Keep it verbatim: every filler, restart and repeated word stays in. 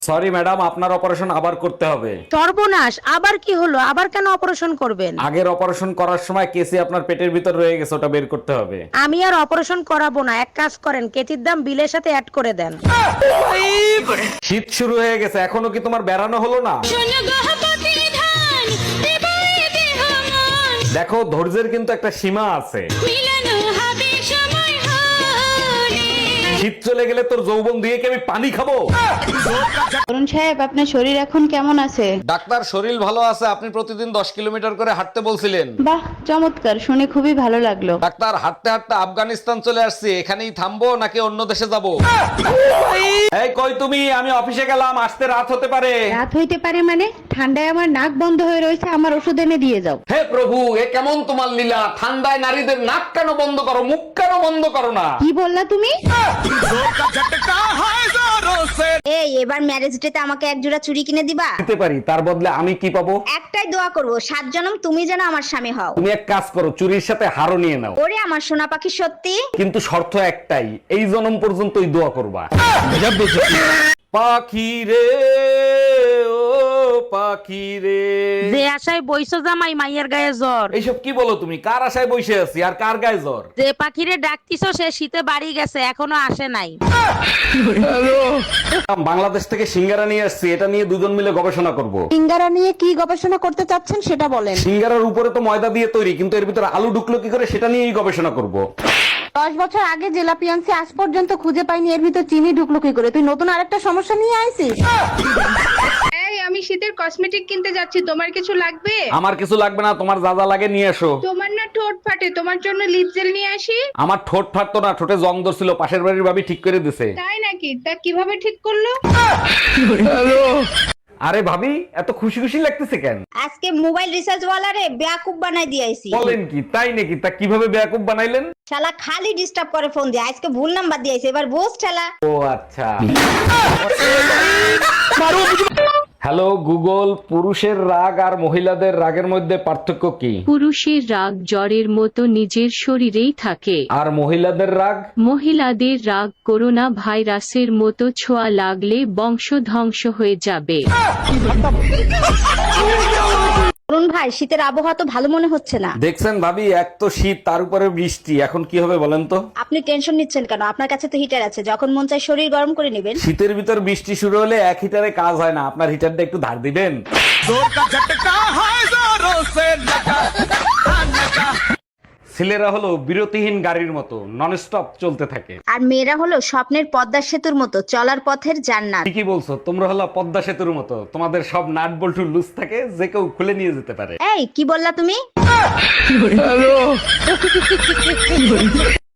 Sorry madam, আপনার operation আবার করতে হবে। সর্বনাশ, আবার কি হলো? আবার কেন অপারেশন করবেন? আগের অপারেশন করার সময় কেসি আপনার পেটের ভিতর রয়ে গেছে, ওটা বের করতে হবে। আমি আর অপারেশন করাবো না, এক কাজ করেন, কেতির দাম বিলের সাথে অ্যাড করে দেন। শীত শুরু হয়ে গেছে, এখনো কি তোমার বেড়ানো হলো না? দেখো, ধৈর্যের কিন্তু একটা সীমা আছে। শীত চলে গেলে তোর যৌবন দিয়ে কি আমি পানি খাবো? অরুণ সাহেব, আপনার শরীর এখন কেমন আছে? ডাক্তার, শরীর ভালো আছে। আপনি প্রতিদিন দশ কিলোমিটার করে হাঁটতে বলছিলেন। বাহ, চমৎকার, শুনে খুবই ভালো লাগলো। ডাক্তার, হাঁটতে হাঁটতে আফগানিস্তান চলে আসছি, এখানেই থামবো নাকি অন্য দেশে যাব? এই কই তুমি? আমি অফিসে গেলাম, আসতে রাত হতে পারে। রাত হইতে পারে মানে? ঠান্ডায় আমার নাক বন্ধ হয়ে রয়েছে, আমার ওষুধ এনে দিয়ে যাও। হে প্রভু, এ কেমন তোমার লীলা? ঠান্ডায় নারীদের নাক কেন বন্ধ করো, মুখ কেন বন্ধ করো না? কি বললা তুমি? এই এবার ম্যারেজ ডেতে আমাকে এক জোড়া চুড়ি কিনে দিবা? দিতে পারি, তার বদলে আমি কি পাবো? একটাই দোয়া করব, সাত জনম তুমি যেন আমার স্বামী হও। তুমি এক কাজ করো, চুরির সাথে হারও নিয়ে নাও। ওরে আমার সোনা পাখি, সত্যি? কিন্তু শর্ত একটাই, এই জনম পর্যন্তই দোয়া করবা। পাখি রে, ও পাখি রে। যে আশায় বইছো জামাই, মাইয়ের গায়ে জ্বর। এইসব কি বলো তুমি? কার আশায় বসে আছি আর কার গায়ে জ্বর? যে পাখিরে ডাকতিছো সে শীতে বাড়ি গেছে, এখনো আসে নাই। বাংলাদেশ থেকে সিঙ্গারা নিয়ে আসছি, এটা নিয়ে দুজন মিলে গবেষণা করব। সিঙ্গারা নিয়ে কি গবেষণা করতে চাচ্ছেন সেটা বলেন। সিঙ্গারার উপরে তো ময়দা দিয়ে তৈরি, কিন্তু এর ভিতরে আলু ঢুকলো কি করে সেটা নিয়েই গবেষণা করব। দশ বছর আগে জেলাপি আনছি, আজ পর্যন্ত খুঁজে পাইনি এর ভিতর চিনি ঢুকলো কি করে। তুই নতুন আরেকটা সমস্যা নিয়ে আইছিস। এই, আমি শীতের কসমেটিক কিনতে যাচ্ছি, তোমার কিছু লাগবে? আমার কিছু লাগবে না, তোমার যা যা লাগে নিয়ে এসো। তোমার না ঠোঁট ফাটে, তোমার জন্য লিপ জেল নিয়ে আসি। আমার ঠোঁট ফাটতো না, ঠোঁটে জং ধরছিল, পাশের বাড়ির ভাবি ঠিক করে দিছে। তাই নাকি? তা কিভাবে ঠিক করলো? আরে ভাবি, এত খুশি খুশি লাগতেছে কেন? আজকে মোবাইল রিচার্জ ওয়ালারে বেয়াকুব বানাই দিয়েছি। বলেন কি? তাই নাকি? তা কিভাবে বেয়াকুব বানাইলেন? শালা খালি ডিস্টার্ব করে ফোন দিয়ে, আজকে ভুল নাম্বার দিয়েছে, এবার বোস ঠেলা। ও আচ্ছা। হ্যালো গুগল, পুরুষের রাগ আর মহিলাদের রাগের মধ্যে পার্থক্য কি? পুরুষের রাগ জ্বরের মতো নিজের শরীরেই থাকে, আর মহিলাদের রাগ? মহিলাদের রাগ করোনা ভাইরাসের মতো ছোঁয়া লাগলে বংশ ধ্বংস হয়ে যাবে। অরুণ ভাই, শীতের আবহাওয়া তো ভালো মনে হচ্ছে না। দেখছেন ভাবি, এক তো শীত, তার উপরে বৃষ্টি, এখন কি হবে বলেন তো? আপনি টেনশন নিচ্ছেন কেন? আপনার কাছে তো হিটার আছে, যখন মন চায় শরীর গরম করে নেবেন। শীতের ভিতর বৃষ্টি শুরু হলে এক হিটারে কাজ হয় না, আপনার হিটারটা একটু ধার দিবেন। ছেলেরা হলো বিরতিহীন গাড়ির মতো, নন স্টপ চলতে থাকে। আর মেয়েরা হলো স্বপ্নের পদ্মা সেতুর মতো, চলার পথের জান্নাত। ঠিকই বলছো, তোমরা হলো পদ্মা সেতুর মতো, তোমাদের সব নাট বল্টু লুজ থাকে, যে কেউ খুলে নিয়ে যেতে পারে। এই কি বললা তুমি?